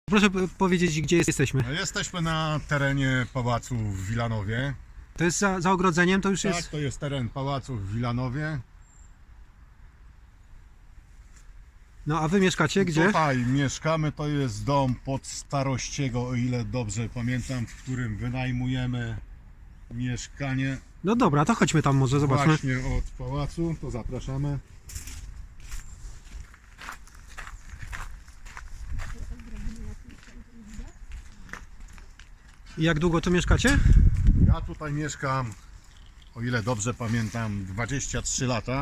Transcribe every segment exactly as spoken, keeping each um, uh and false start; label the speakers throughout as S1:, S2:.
S1: Proszę powiedzieć, gdzie jesteśmy.
S2: No, jesteśmy na terenie pałacu w Wilanowie.
S1: To jest za, za ogrodzeniem, to już
S2: Tak,
S1: jest...
S2: to jest teren pałacu w Wilanowie.
S1: No a wy mieszkacie gdzie?
S2: Tutaj mieszkamy, to jest dom pod Starościego, o ile dobrze pamiętam, w którym wynajmujemy mieszkanie
S1: No dobra, to chodźmy tam może, zobaczmy.
S2: właśnie od pałacu, to zapraszamy.
S1: I jak długo tu mieszkacie?
S2: Ja tutaj mieszkam, o ile dobrze pamiętam, dwadzieścia trzy lata.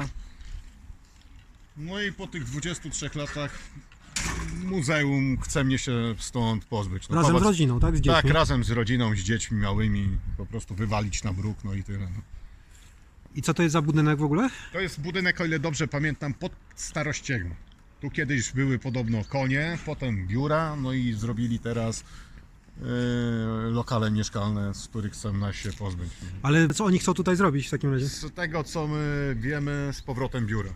S2: No i po tych dwudziestu trzech latach muzeum chce mnie się stąd pozbyć. No,
S1: Razem
S2: pałac-
S1: z rodziną, tak? Z dziećmi?
S2: Tak, razem z rodziną, z dziećmi małymi, po prostu wywalić na bruk, no i tyle. No.
S1: I co to jest za budynek w ogóle?
S2: To jest budynek, o ile dobrze pamiętam, pod Starościego. Tu kiedyś były podobno konie, potem biura, no i zrobili teraz yy, lokale mieszkalne, z których chcą nas się pozbyć.
S1: Ale co oni chcą tutaj zrobić w takim razie?
S2: Z tego, co my wiemy, z powrotem biura.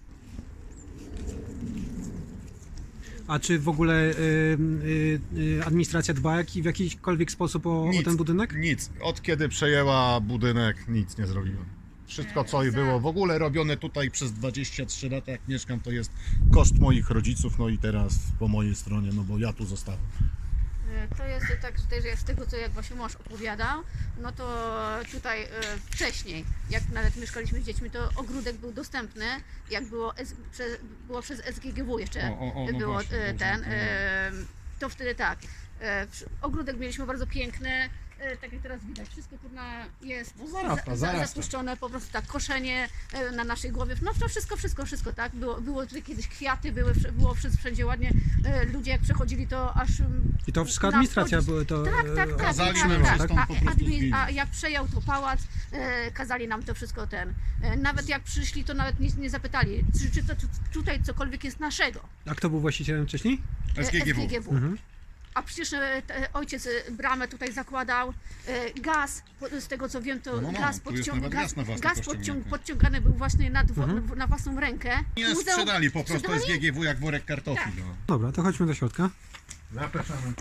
S1: A czy w ogóle y, y, y, administracja dba jak, w jakikolwiek sposób o, o ten budynek?
S2: Nic. Od kiedy przejęła budynek, nic nie zrobiła. Wszystko, co i było w ogóle robione tutaj przez dwadzieścia trzy lata, jak mieszkam, to jest koszt moich rodziców, no i teraz po mojej stronie, no bo ja tu zostałem.
S3: To jest tak, że z tego co jak właśnie mąż opowiadał, no to tutaj e, wcześniej, jak nawet mieszkaliśmy z dziećmi, to ogródek był dostępny, jak było, S, prze, było przez S G G W jeszcze,
S2: O, o, o, no
S3: było
S2: właśnie,
S3: e,
S2: dobrze,
S3: ten,
S2: no.
S3: e, to wtedy tak, e, przy- ogródek mieliśmy bardzo piękny, e, tak jak teraz widać, wszystko kurna jest
S2: No zarasta,
S3: za,
S2: zarasta.
S3: zapuszczone, po prostu tak koszenie e, na naszej głowie, no to wszystko, wszystko, wszystko, tak, było, było tutaj kiedyś kwiaty, były, wsz- było wszędzie wszędzie ładnie, e, ludzie jak przechodzili to aż mm,
S1: I to wszystko
S3: na
S1: administracja
S3: wchodzić-
S1: były to...
S3: tak, tak, tak,
S1: e,
S3: tak,
S2: Kazaliśmy
S3: tak,
S2: nam
S3: tak.
S2: stąd po
S3: A,
S2: prostu
S3: admin,
S2: zmienić.
S3: a jak przejął to pałac, e, kazali nam to wszystko ten. E, nawet jak przyszli, to nawet nie, nie zapytali, czy, czy to czy tutaj cokolwiek jest naszego.
S1: A kto był właścicielem wcześniej?
S3: E,
S2: S G G W.
S3: S G G W.
S1: Mhm.
S3: A przecież e, te, ojciec e, bramę tutaj zakładał, e, gaz, po, z tego co wiem, to
S2: No, no, no,
S3: gaz,
S2: tu jest
S3: podciąg,
S2: nawet
S3: gaz,
S2: gaz na własny
S3: gaz
S2: podciągnięty.
S3: podciąg, podciągany był właśnie na, dwo,
S1: Mhm.
S3: na własną rękę.
S2: Nie
S3: Muzeum-
S2: sprzedali po prostu
S3: sprzedali?
S2: S G G W jak worek kartofli.
S3: Tak.
S2: No.
S1: Dobra, to chodźmy do środka.
S2: Zapraszamy.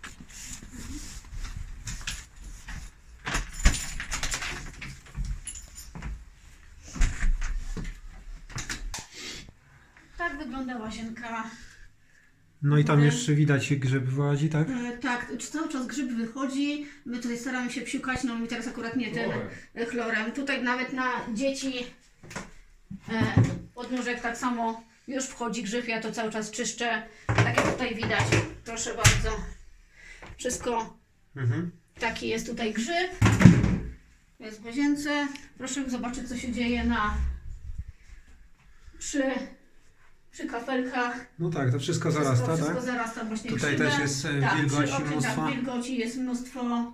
S3: Tak wygląda łazienka.
S1: No i tam
S3: Ale-
S1: jeszcze widać grzyb wyłazi, tak?
S3: E, tak, cały czas grzyb wychodzi. My tutaj staramy się psiukać, no mi teraz akurat nie tym
S2: Chlorem.
S3: e, chlorem. Tutaj nawet na dzieci e, podnóżek tak samo już wchodzi grzyb, ja to cały czas czyszczę. Tak jak tutaj widać, proszę bardzo. Wszystko
S1: Mhm.
S3: taki jest tutaj grzyb. Jest w łazience. Proszę zobaczyć, co się dzieje na przy, przy kafelkach.
S1: No tak, to wszystko
S3: Wszystko,
S1: zarasta,
S3: wszystko
S1: tak?
S3: zarasta właśnie
S1: Tutaj
S3: grzybem.
S1: też jest, e,
S3: tak,
S1: wilgoci
S3: przy oknie,
S1: mnóstwo.
S3: Tak, wilgoci jest mnóstwo.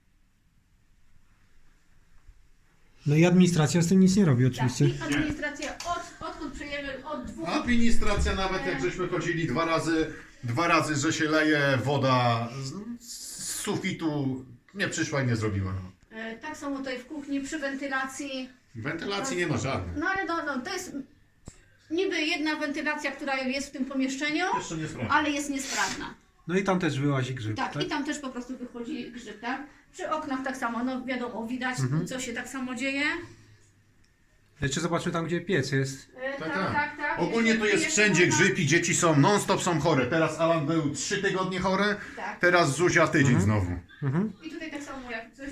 S1: No i administracja z tym nic nie robi
S3: Tak,
S1: oczywiście.
S3: i administracja od, odkąd przejęły od dwóch...
S2: Administracja nawet jak żeśmy chodzili dwa razy, dwa razy, że się leje woda z, z sufitu, nie przyszła i nie zrobiła. No.
S3: E, tak samo tutaj w kuchni przy wentylacji.
S2: Wentylacji nie ma żadnej.
S3: No ale no, no, to jest niby jedna wentylacja, która jest w tym pomieszczeniu,
S2: Jeszcze nie sprawdzę.
S3: ale jest niesprawna.
S1: No i tam też wyłazi grzyb,
S3: Tak,
S1: tak?
S3: i tam też po prostu wychodzi grzyb, tak? Przy oknach tak samo, no wiadomo, widać
S1: Mhm.
S3: co się tak samo dzieje.
S1: Jeszcze zobaczmy tam, gdzie piec jest.
S3: E,
S2: Tak,
S3: tak,
S2: tak.
S3: tak, tak.
S2: Ogólnie to jest
S3: Jeszcze
S2: wszędzie
S3: można-
S2: grzyb i dzieci są, non-stop są chore. Teraz Alan był trzy tygodnie chory,
S3: Tak.
S2: teraz Zuzia tydzień
S1: Mhm.
S2: znowu.
S1: Mhm.
S3: I tutaj tak samo jak coś...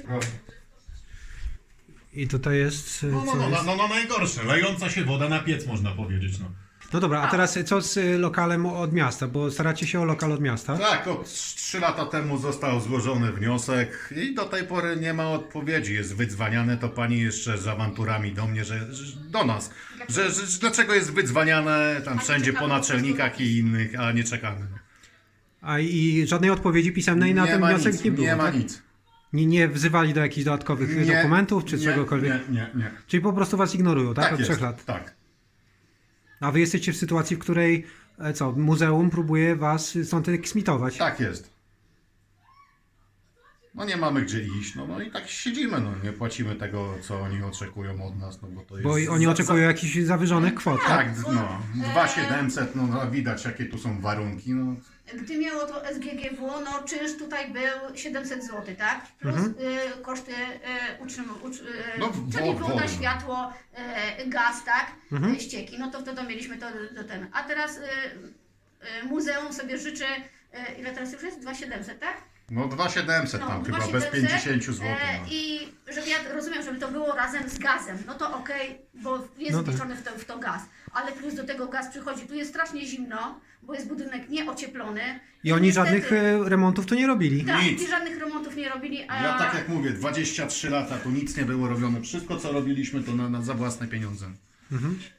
S1: I tutaj jest... e,
S2: No, no,
S1: co
S2: no,
S1: jest?
S2: no, no najgorsze, lejąca się woda na piec można powiedzieć. No.
S1: No dobra, a teraz co z y, lokalem od miasta? Bo staracie się o lokal od miasta.
S2: Tak, od trzy lata temu został złożony wniosek i do tej pory nie ma odpowiedzi. Jest wydzwaniane to pani jeszcze z awanturami do mnie, że, że do nas, że, że, że dlaczego jest wydzwaniane tam
S3: A nie
S2: wszędzie po
S3: czekamy po
S2: naczelnikach
S3: prostu
S2: i innych, a nie czekamy.
S1: A i żadnej odpowiedzi pisemnej na ten
S2: ma
S1: wniosek
S2: nic,
S1: nie było,
S2: nie ma
S1: tak?
S2: nic.
S1: Nie, nie wzywali do jakichś dodatkowych y,
S2: Nie,
S1: dokumentów czy
S2: nie,
S1: czegokolwiek?
S2: Nie, nie, nie.
S1: Czyli po prostu was ignorują, tak?
S2: Tak
S1: Od
S2: jest,
S1: trzech lat.
S2: tak.
S1: A wy jesteście w sytuacji, w której e, co, muzeum próbuje was stąd eksmitować.
S2: Tak jest. no nie mamy gdzie iść, no, no i tak siedzimy, no nie płacimy tego, co oni oczekują od nas, no bo to jest...
S1: Bo oni
S2: za-
S1: oczekują jakichś zawyżonych kwot,
S2: za-
S1: tak?
S2: Tak, no, dwa tysiące siedemset, no, no widać jakie tu są warunki, no.
S3: Gdy miało to S G G W, no czynsz tutaj był siedemset złotych, tak? Plus
S1: Mhm.
S3: y, koszty y, utrzym, utr, y,
S2: No,
S3: czyli
S2: wo-
S3: woda,
S2: woda.
S3: światło, y, gaz, tak?
S1: Mhm.
S3: Y, ścieki, no to wtedy mieliśmy to do ten. A teraz y, y, muzeum sobie życzy, y, ile teraz już jest? dwa tysiące siedemset, tak?
S2: No dwa tysiące siedemset tam chyba, bez
S3: dwa tysiące siedemset,
S2: pięćdziesiąt złotych.
S3: e,
S2: No.
S3: I żeby ja rozumiem, żeby to było razem z gazem, no to okej, bo jest
S1: No tak.
S3: wliczony w, to, w to gaz, ale plus do tego gaz przychodzi. Tu jest strasznie zimno, bo jest budynek nieocieplony.
S1: I oni
S3: niestety-
S1: żadnych e, remontów tu nie robili.
S3: Tak,
S2: Nic.
S3: i żadnych remontów nie robili, a
S2: Ja tak jak mówię, dwadzieścia trzy lata tu nic nie było robione. Wszystko co robiliśmy to na, na, za własne pieniądze.
S1: Mhm.